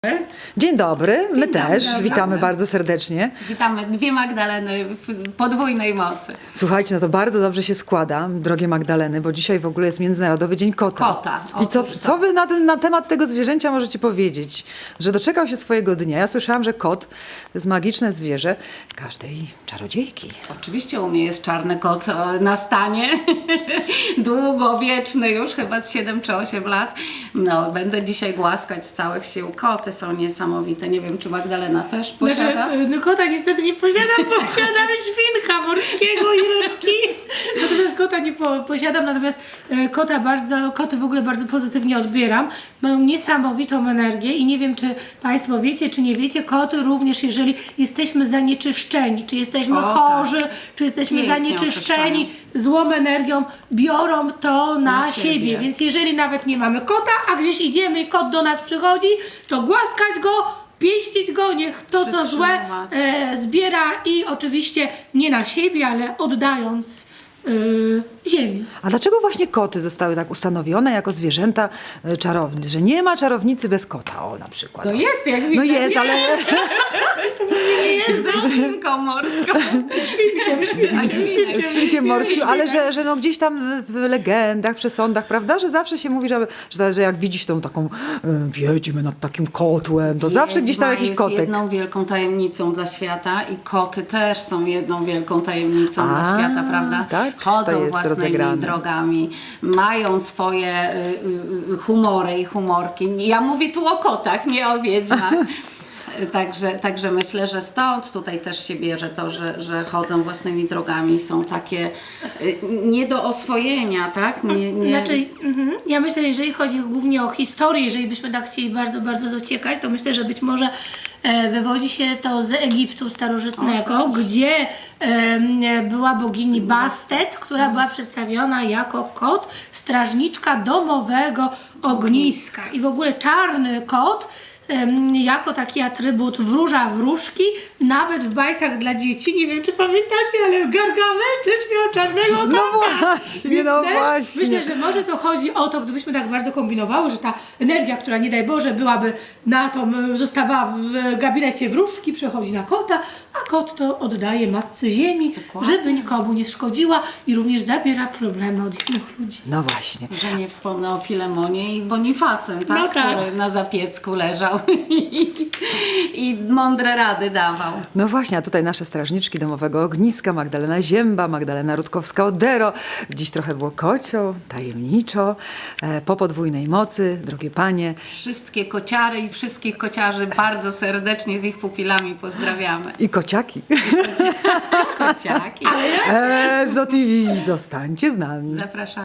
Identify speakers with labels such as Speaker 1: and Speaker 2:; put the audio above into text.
Speaker 1: Dzień dobry, my
Speaker 2: Dzień dobry,
Speaker 1: też
Speaker 2: witamy.
Speaker 1: witamy bardzo serdecznie.
Speaker 2: Witamy dwie Magdaleny w podwójnej mocy.
Speaker 1: Słuchajcie, no to bardzo dobrze się składa, drogie Magdaleny, bo dzisiaj w ogóle jest Międzynarodowy Dzień Kota.
Speaker 2: Kota,
Speaker 1: I co,
Speaker 2: otóż to.
Speaker 1: co wy na temat tego zwierzęcia możecie powiedzieć? Że doczekał się swojego dnia. Ja słyszałam, że kot to jest magiczne zwierzę każdej czarodziejki.
Speaker 2: Oczywiście u mnie jest czarny kot na stanie, długowieczny już, chyba z 7 czy 8 lat. No, będę dzisiaj głaskać z całych sił. Koty są niesamowite. Nie wiem, czy Magdalena też posiada?
Speaker 3: Znaczy, no kota niestety nie posiadam, posiadam świnka morskiego i rybki. Natomiast kota nie posiadam, natomiast koty w ogóle bardzo pozytywnie odbieram. Mają niesamowitą energię i nie wiem, czy Państwo wiecie, czy nie wiecie, koty również, jeżeli jesteśmy zanieczyszczeni, czy jesteśmy
Speaker 2: O, tak.
Speaker 3: chorzy, czy jesteśmy
Speaker 2: Pięknie
Speaker 3: zanieczyszczeni złą energią, biorą to na siebie.
Speaker 2: siebie.
Speaker 3: Więc jeżeli nawet nie mamy kota, a gdzieś idziemy i kot do nas przychodzi, to głaskać go, pieścić go, niech to co złe
Speaker 2: Przytrzymywać.
Speaker 3: zbiera i oczywiście nie na siebie, ale oddając ziemi.
Speaker 1: A dlaczego właśnie koty zostały tak ustanowione jako zwierzęta czarownic? Że nie ma czarownicy bez kota, o na przykład.
Speaker 3: To jest, jak
Speaker 1: No
Speaker 3: widać.
Speaker 1: jest, ale...
Speaker 2: Ze świnką morską.
Speaker 1: Z świnkiem morskim, ale że no gdzieś tam w legendach, przesądach, prawda, że zawsze się mówi, że jak widzisz tą taką wiedźmę nad takim kotłem, to zawsze gdzieś tam
Speaker 2: Wiedźma
Speaker 1: jakiś
Speaker 2: jest
Speaker 1: kotek.
Speaker 2: jedną wielką tajemnicą dla świata i koty też są jedną wielką tajemnicą dla
Speaker 1: A,
Speaker 2: świata, prawda?
Speaker 1: tak? To
Speaker 2: Chodzą
Speaker 1: jest
Speaker 2: własnymi
Speaker 1: rozegrane.
Speaker 2: drogami, mają swoje humory i humorki. Ja mówię tu o kotach, nie o wiedźmach. Także myślę, że stąd tutaj też się bierze to, że chodzą własnymi drogami, są takie nie do oswojenia, tak?
Speaker 3: Znaczy, ja myślę, jeżeli chodzi głównie o historię, jeżeli byśmy tak chcieli bardzo, bardzo dociekać, to myślę, że być może wywodzi się to z Egiptu starożytnego, gdzie była bogini Bastet, która była przedstawiona jako kot, strażniczka domowego ogniska. I w ogóle czarny kot jako taki atrybut wróża wróżki, nawet w bajkach dla dzieci, nie wiem czy pamiętacie, ale Gargamel też miał czarnego kota.
Speaker 1: No właśnie,
Speaker 3: Więc
Speaker 1: no
Speaker 3: też
Speaker 1: właśnie.
Speaker 3: myślę, że może to chodzi o to, gdybyśmy tak bardzo kombinowały, że ta energia, która nie daj Boże byłaby zostawała w gabinecie wróżki, przechodzi na kota, a kot to oddaje matce ziemi,
Speaker 2: Dokładnie.
Speaker 3: żeby nikomu nie szkodziła i również zabiera problemy od innych ludzi.
Speaker 1: No właśnie.
Speaker 2: Że nie wspomnę o Filemonie i Bonifacym, tak?
Speaker 3: No tak.
Speaker 2: Który na zapiecku leżał i mądre rady dawał.
Speaker 1: No właśnie, a tutaj nasze strażniczki domowego ogniska, Magdalena Zięba, Magdalena Rutkowska-Odero. Dziś trochę było kocio, tajemniczo, po podwójnej mocy, drogie panie.
Speaker 2: Wszystkie kociary i wszystkich kociarzy bardzo serdecznie z ich pupilami pozdrawiamy.
Speaker 1: I kociaki.
Speaker 2: Kociaki.
Speaker 1: Ezo TV, zostańcie z nami.
Speaker 2: Zapraszamy.